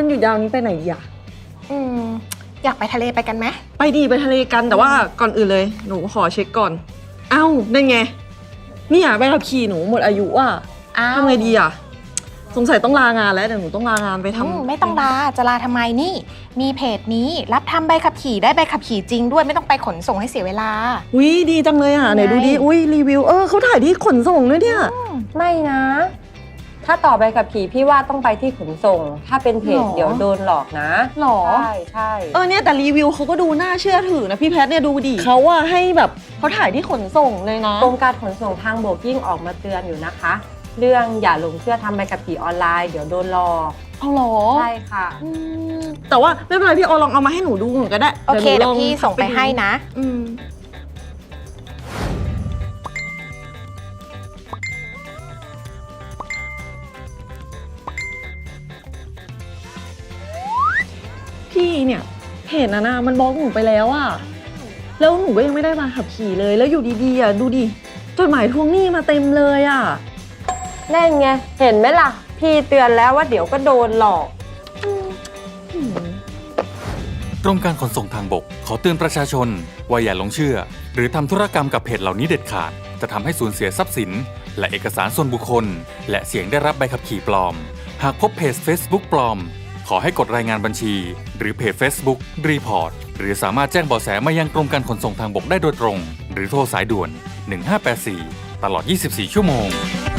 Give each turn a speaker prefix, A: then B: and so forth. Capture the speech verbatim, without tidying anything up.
A: วันหยุดยาวนี้ไปไหนดีอะ
B: อืมอยากไปทะเลไปกันไหม
A: ไปดีไปทะเลกันแต่ว่าก่อนอื่นเลยหนูขอเช็คก่อนเอ้านั่นไงเนี่ยใบขับขี่หนูหมดอายุอ่ะทำไงดีอ่ะสงสัยต้องลางานแล้วเดี๋ยวหนูต้องลางานไปทำ
B: ไม่ต้องลาจะลาทำไมนี่มีเพจนี้รับทำใบขับขี่ได้ใบขับขี่จริงด้วยไม่ต้องไปขนส่งให้เสียเวลา
A: อุ้ยดีจังเลยอ่ะไหนดูดิอุ้ยรีวิวเออเขาถ่ายที่ขนส่งด้วยเนี่ย
C: ไม่นะถ้าต่อใบขับขี่พี่ว่าต้องไปที่ขนส่งถ้าเป็นเพจเดี๋ยวโดนหลอกนะ
A: หรอ
C: ใช่ใช่
A: เออเนี่ยแต่รีวิวเขาก็ดูน่าเชื่อถือนะพี่แพทเนี่ยดูดิเขาว่าให้แบบเขาถ่ายที่ขนส่งเลยนะ
C: กรมการขนส่งทางบกยิ่งออกมาเตือนอยู่นะคะเรื่องอย่าหลงเชื่อทำใบขับขี่ออนไลน์เดี๋ยวโดนหลอก
A: เอาหรอ
C: ใช่ค่ะ
A: แต่ว่าไม่เป็นไรพี่ออลองเอามาให้หนูดูหนูก็ได้
B: โอเคเดี๋ยวพี่ส่งไปให้นะ
A: อืมพี่เนี่ยเพจนะนะมันบล็อกหนูไปแล้วอะแล้วหนูก็ยังไม่ได้มาขับขี่เลยแล้วอยู่ดีๆอะดูดิจดหมายทวงหนี้มาเต็มเลยอะ
C: นั่นไงเห็นไหมล่ะพี่เตือนแล้วว่าเดี๋ยวก็โดนหลอก
D: กรมการขนส่งทางบกขอเตือนประชาชนว่าอย่าหลงเชื่อหรือทำธุรกรรมกับเพจเหล่านี้เด็ดขาดจะทำให้สูญเสียทรัพย์สินและเอกสารส่วนบุคคลและเสี่ยงได้รับใบขับขี่ปลอมหากพบเพจ Facebook ปลอมขอให้กดรายงานบัญชีหรือเพจ Facebook Report หรือสามารถแจ้งเบาะแสมายังกรมการขนส่งทางบกได้โดยตรงหรือโทรสายด่วนหนึ่งห้าแปดสี่ตลอดยี่สิบสี่ชั่วโมง